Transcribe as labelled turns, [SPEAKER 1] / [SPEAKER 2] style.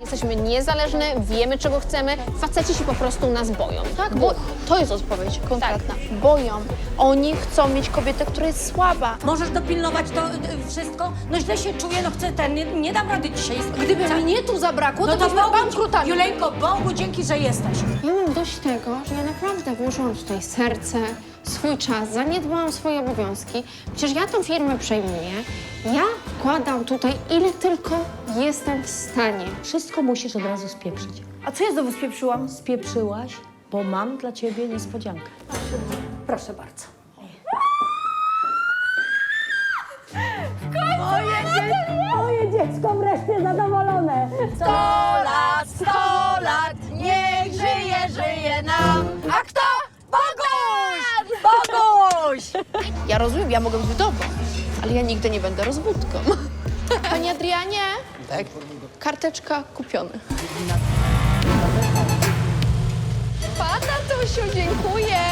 [SPEAKER 1] Jesteśmy niezależne, wiemy czego chcemy, faceci się po prostu nas boją.
[SPEAKER 2] Tak, bo to jest odpowiedź konkretna. Boją. Oni chcą mieć kobietę, która jest słaba.
[SPEAKER 3] Możesz dopilnować to wszystko? No źle się czuję, no chcę nie dam rady dzisiaj.
[SPEAKER 2] Gdyby mnie tu zabrakło,
[SPEAKER 3] No
[SPEAKER 2] to byśmy bankrutami.
[SPEAKER 3] Juleńko, Bogu dzięki, że jesteś.
[SPEAKER 1] Ja mam dość tego, że ja naprawdę włożyłam tutaj serce, swój czas, zaniedbałam swoje obowiązki. Przecież ja tą firmę przejmuję. Ja wkładam tutaj ile tylko jestem w stanie.
[SPEAKER 3] Wszystko musisz od razu spieprzyć.
[SPEAKER 2] A co ja znowu spieprzyłam?
[SPEAKER 3] Spieprzyłaś, bo mam dla ciebie niespodziankę. Proszę bardzo. Moje dziecko wreszcie zadowolone.
[SPEAKER 2] 100 lat, niech żyje nam. A kto? Boguś! Boguś! Ja rozumiem, ja mogę być wdową, ale ja nigdy nie będę rozbudką. Panie Adrianie?
[SPEAKER 4] Tak?
[SPEAKER 2] Karteczka kupiona. Pa, tatusiu, dziękuję.